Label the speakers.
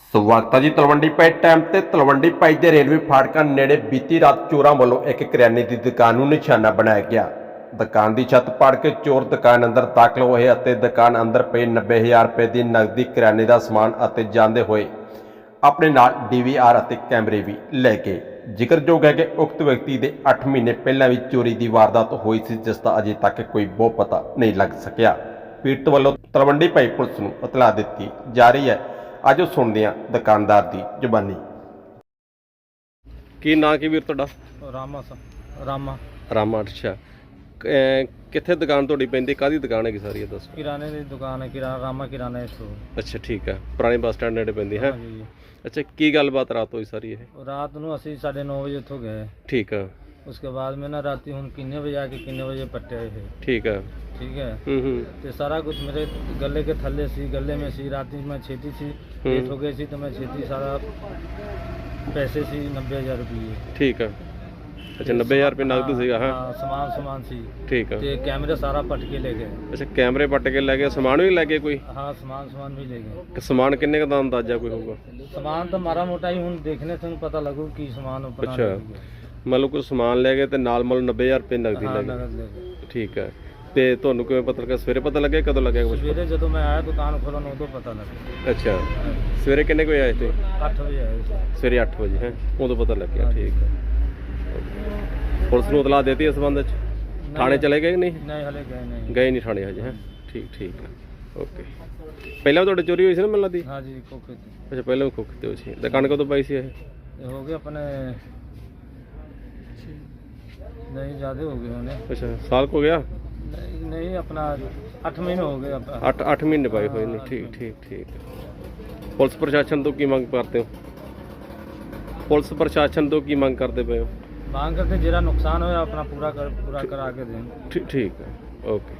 Speaker 1: ਸਵਾਗਤ ਹੈ ਜੀ ਤਲਵੰਡੀ ਪਾਈ ਟਾਈਮ ਤੇ ਤਲਵੰਡੀ ਪਾਈ ਦੇ ਰੇਲਵੇ ਫਾਟਕਾਂ ਨੇੜੇ ਬੀਤੀ ਰਾਤ ਚੋਰਾਂ ਵੱਲੋਂ ਇੱਕ ਕਰਿਆਨੇ ਦੀ ਦੁਕਾਨ ਨੂੰ ਨਿਸ਼ਾਨਾ ਬਣਾਇਆ ਗਿਆ। ਦੁਕਾਨ ਦੀ ਛੱਤ ਪਾੜ ਕੇ ਚੋਰ ਦੁਕਾਨ ਅੰਦਰ ਦਾਖਲ ਹੋਏ ਅਤੇ ਦੁਕਾਨ ਅੰਦਰ ਪਏ 90,000 ਰੁਪਏ ਦੀ ਨਕਦੀ ਕਰਿਆਨੇ ਦਾ ਸਮਾਨ ਅਤੇ ਜਾਂਦੇ ਹੋਏ ਆਪਣੇ ਨਾਲ DVR ਅਤੇ ਕੈਮਰੇ ਵੀ ਲੈ ਗਏ। ਜ਼ਿਕਰਯੋਗ ਹੈ ਕਿ ਉਕਤ ਵਿਅਕਤੀ ਦੇ 8 ਮਹੀਨੇ ਪਹਿਲਾਂ ਵੀ ਚੋਰੀ ਦੀ ਵਾਰਦਾਤ ਹੋਈ ਸੀ, ਜਿਸ ਦਾ ਅਜੇ ਤੱਕ ਕੋਈ ਬਹੁ ਪਤਾ ਨਹੀਂ ਲੱਗ ਸਕਿਆ। ਪੀੜਤ ਵੱਲੋਂ ਤਲਵੰਡੀ ਪਾਈ ਪੁਲਿਸ ਨੂੰ ਇਤਲਾਹ ਦਿੱਤੀ ਜਾ ਰਹੀ ਹੈ। ਅੱਜ ਸੁਣਦੇ ਹਾਂ ਦੁਕਾਨਦਾਰ ਦੀ ਜ਼ੁਬਾਨੀ। ਕੀ ਨਾਂ ਕੀ ਵੀਰ ਤੁਹਾਡਾ? ਰਾਮਾ। ਅੱਛਾ, ਕਿੱਥੇ ਦੁਕਾਨ ਤੁਹਾਡੀ ਪੈਂਦੀ? ਕਾਹਦੀ ਦੁਕਾਨ ਹੈਗੀ ਸਾਰੀ? ਦੱਸੋ।
Speaker 2: किराने की दुकान है, रामा किराना स्टोर।
Speaker 1: ਅੱਛਾ ਠੀਕ ਹੈ, ਪੁਰਾਣੇ ਬੱਸ ਸਟੈਂਡ ਨੇੜੇ ਪੈਂਦੀ ਹੈ।
Speaker 2: जी
Speaker 1: ਅੱਛਾ, ਕੀ ਗੱਲਬਾਤ ਰਾਤ ਹੋਈ ਸਾਰੀ ਇਹ?
Speaker 2: रात ਨੂੰ ਅਸੀਂ 9:30 ਵਜੇ ਇੱਥੋਂ ਗਏ।
Speaker 1: ਠੀਕ ਹੈ।
Speaker 2: उसके बाद में ना राती ਹੁਣ किन्ने बजे आके किन्ने बजे पट्टे आए थे।
Speaker 1: ठीक है।
Speaker 2: ठीक है। ਤੇ ਸਾਰਾ ਕੁਝ ਮੇਰੇ गले के थल्ले सी, गले में सी। राती मैं छेती सी लेट हो गई सी तो मैं छेती सारा पैसे सी 90,000 रुपये।
Speaker 1: ठीक है। अच्छा, 90,000 रुपये नगद ਸੀਗਾ? ਹਾਂ,
Speaker 2: ਸਮਾਨ ਸੀ।
Speaker 1: ਠੀਕ ਹੈ।
Speaker 2: ਤੇ ਕੈਮਰਾ ਸਾਰਾ ਪਟ ਕੇ ਲੈ ਗਏ।
Speaker 1: ਅੱਛਾ, ਕੈਮਰੇ ਪੱਟ ਕੇ ਲੈ ਗਏ, ਸਮਾਨ ਵੀ ਲੈ ਗਏ ਕੋਈ?
Speaker 2: ਹਾਂ, ਸਮਾਨ ਵੀ ਲੈ ਗਏ।
Speaker 1: ਕਿ ਸਮਾਨ ਕਿੰਨੇ ਦਾ ਅੰਦਾਜ਼ਾ ਕੋਈ ਹੋਊਗਾ?
Speaker 2: ਸਮਾਨ ਤਾਂ ਮਾਰਾ ਮੋਟਾ ਹੀ ਹੁਣ ਦੇਖਣੇ ਤੋਂ ਪਤਾ ਲੱਗੂ ਕੀ ਸਮਾਨ ਆਪਣਾ।
Speaker 1: ਅੱਛਾ, ਮਤਲਬ ਕੋਈ ਸਮਾਨ ਲੈ ਗਏ ਤੇ ਨਾਲ ਮਤਲਬ 90,000 ਰੁਪਏ ਨਗਦੀ ਲੈ ਗਏ। ਠੀਕ ਹੈ। ਤੇ ਤੁਹਾਨੂੰ ਕਿਵੇਂ ਪਤਾ ਲੱਗਾ? ਸਵੇਰੇ ਪਤਾ ਲੱਗਿਆ? ਕਦੋਂ ਲੱਗਿਆ ਕੁਝ?
Speaker 2: ਸਵੇਰੇ ਜਦੋਂ ਮੈਂ ਆਇਆ ਦੁਕਾਨ ਖੋਲਣ ਉਦੋਂ ਪਤਾ ਲੱਗਾ।
Speaker 1: ਅੱਛਾ, ਸਵੇਰੇ ਕਿੰਨੇ ਵਜੇ ਆਏ ਤੇ?
Speaker 2: 8 ਵਜੇ ਆਏ ਸੀ।
Speaker 1: ਸਵੇਰੇ 8 ਵਜੇ ਹੈ, ਉਦੋਂ ਪਤਾ ਲੱਗਿਆ। ਠੀਕ ਹੈ। ਪੁਲਿਸ ਨੂੰ ਇਤਲਾਹ ਦੇਤੀ ਇਸ ਸੰਬੰਧ ਵਿੱਚ? ਥਾਣੇ ਚਲੇ ਗਏ ਨਹੀਂ?
Speaker 2: ਨਹੀਂ, ਹਲੇ
Speaker 1: ਗਏ ਨਹੀਂ ਥਾਣੇ ਹਜੇ? ਹੈ, ਠੀਕ ਹੈ। ਓਕੇ। ਪਹਿਲਾਂ ਵੀ ਤੁਹਾਡੇ ਚੋਰੀ ਹੋਈ ਸੀ ਨਾ ਮੈਨੂੰ ਲੱਗਦੀ?
Speaker 2: ਹਾਂ ਜੀ, ਕੋਕੇ ਤੇ।
Speaker 1: ਅੱਛਾ, ਪਹਿਲਾਂ ਵੀ ਖੋਖੇ ਤੇ ਹੋਈ ਸੀ। ਦੁਕਾਨ ਕਦੋਂ ਪਾਈ ਸੀ ਇਹ?
Speaker 2: ਇਹ ਹੋ ਗਏ ਆਪਣੇ ਨਹੀਂ ਜ਼ਿਆਦਾ ਹੋ ਗਏ ਹੋਣੇ।
Speaker 1: ਅੱਛਾ, ਸਾਲ ਕੁ ਹੋ ਗਿਆ?
Speaker 2: ਨਹੀਂ ਆਪਣਾ 8 ਮਹੀਨੇ ਹੋ ਗਏ।
Speaker 1: 8 ਮਹੀਨੇ ਪਾਏ ਹੋਏ ਨੇ। ਠੀਕ। ਪੁਲਿਸ ਪ੍ਰਸ਼ਾਸਨ ਤੋਂ ਕੀ ਮੰਗ ਕਰਦੇ ਹੋ? ਪੁਲਿਸ ਪ੍ਰਸ਼ਾਸਨ ਤੋਂ ਕੀ ਮੰਗ ਕਰਦੇ ਪਏ ਹੋ?
Speaker 2: ਮੰਗ ਕਰਦੇ ਜਿਹੜਾ ਨੁਕਸਾਨ ਹੋਇਆ ਆਪਣਾ ਪੂਰਾ ਕਰਾ ਕੇ ਦੇਣ।
Speaker 1: ਠੀਕ ਹੈ। ਓਕੇ।